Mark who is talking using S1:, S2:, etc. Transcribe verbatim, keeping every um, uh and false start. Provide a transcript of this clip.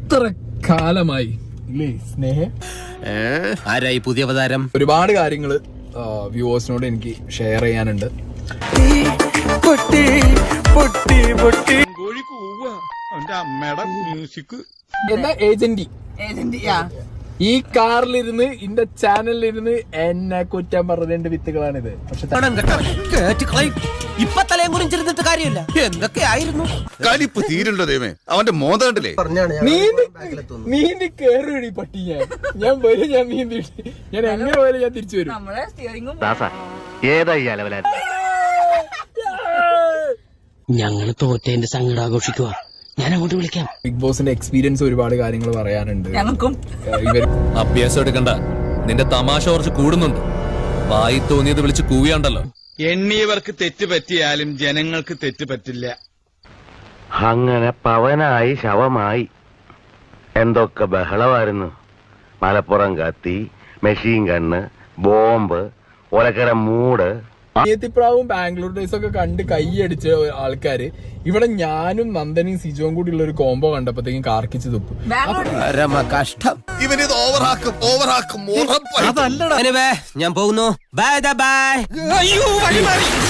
S1: എത്ര കാലമായി ഇല്ലേ സ്നേഹം?
S2: ആരായി പുതിയ അവതാരം?
S1: ഒരുപാട് കാര്യങ്ങള് വ്യൂവേഴ്സിനോട് എനിക്ക് ഷെയർ ചെയ്യാനുണ്ട്. എന്താ ഏജന്റി ഈ കാറിലിരുന്ന് ഇന്റെ ചാനലിലിരുന്ന് എന്നെ കുറ്റം പറഞ്ഞതിന്റെ വിത്തുകളാണിത്. പക്ഷെ
S2: ഇപ്പൊ തലയും കുറിച്ചിരുന്നിട്ട് കാര്യമില്ല. എന്തൊക്കെയായിരുന്നു
S3: കലിപ്പ് തീരുണ്ടോ ദൈവമേ, അവന്റെ മോതണ്ടല്ലേ.
S1: നീന്തി കേറി പട്ടി. ഞാൻ ഞാൻ വരും, ഞാൻ നീന്തി, ഞാൻ എങ്ങനെ പോയാലും ഞാൻ തിരിച്ചു വരും.
S4: ഞങ്ങള് തോറ്റേന്റെ സങ്കടം ആഘോഷിക്കുക. ഞാൻ അങ്ങോട്ട് വിളിക്കാം.
S1: ബിഗ് ബോസിന്റെ എക്സ്പീരിയൻസ് ഒരുപാട് കാര്യങ്ങൾ പറയാനുണ്ട്. ഇവർ
S5: അഭ്യാസം എടുക്കണ്ട, നിന്റെ തമാശ കുറച്ച് കൂടുന്നുണ്ട്. വായി തോന്നിയത് വിളിച്ച് കൂവിയാണ്ടല്ലോ.
S6: എണ്ണിയവർക്ക് തെറ്റ് പറ്റിയാലും ജനങ്ങൾക്ക് തെറ്റ് പറ്റില്ല.
S7: അങ്ങനെ പവനായി ശവമായി എന്തൊക്കെ ബഹളമായിരുന്നു. മലപ്പുറം കത്തി, മെഷീൻ ഗണ്ണ്, ബോംബ്, ഒലക്കര മൂട്.
S1: പ്രാവും ബാംഗ്ലൂർ ഡേയ്സ് ഒക്കെ കണ്ട് കൈയടിച്ച ആൾക്കാര് ഇവിടെ ഞാനും നന്ദനയും സിജോയും കൂടി ഉള്ള ഒരു കോംബോ കണ്ടപ്പോഴത്തേക്കും കാർക്കിച്ച് തുപ്പു.
S2: കഷ്ടം.
S3: ഇവനിത് ഓവറാക്കും ഓവറാക്കും.
S2: അതല്ലടാ. ഞാൻ പോകുന്നു. Bye by.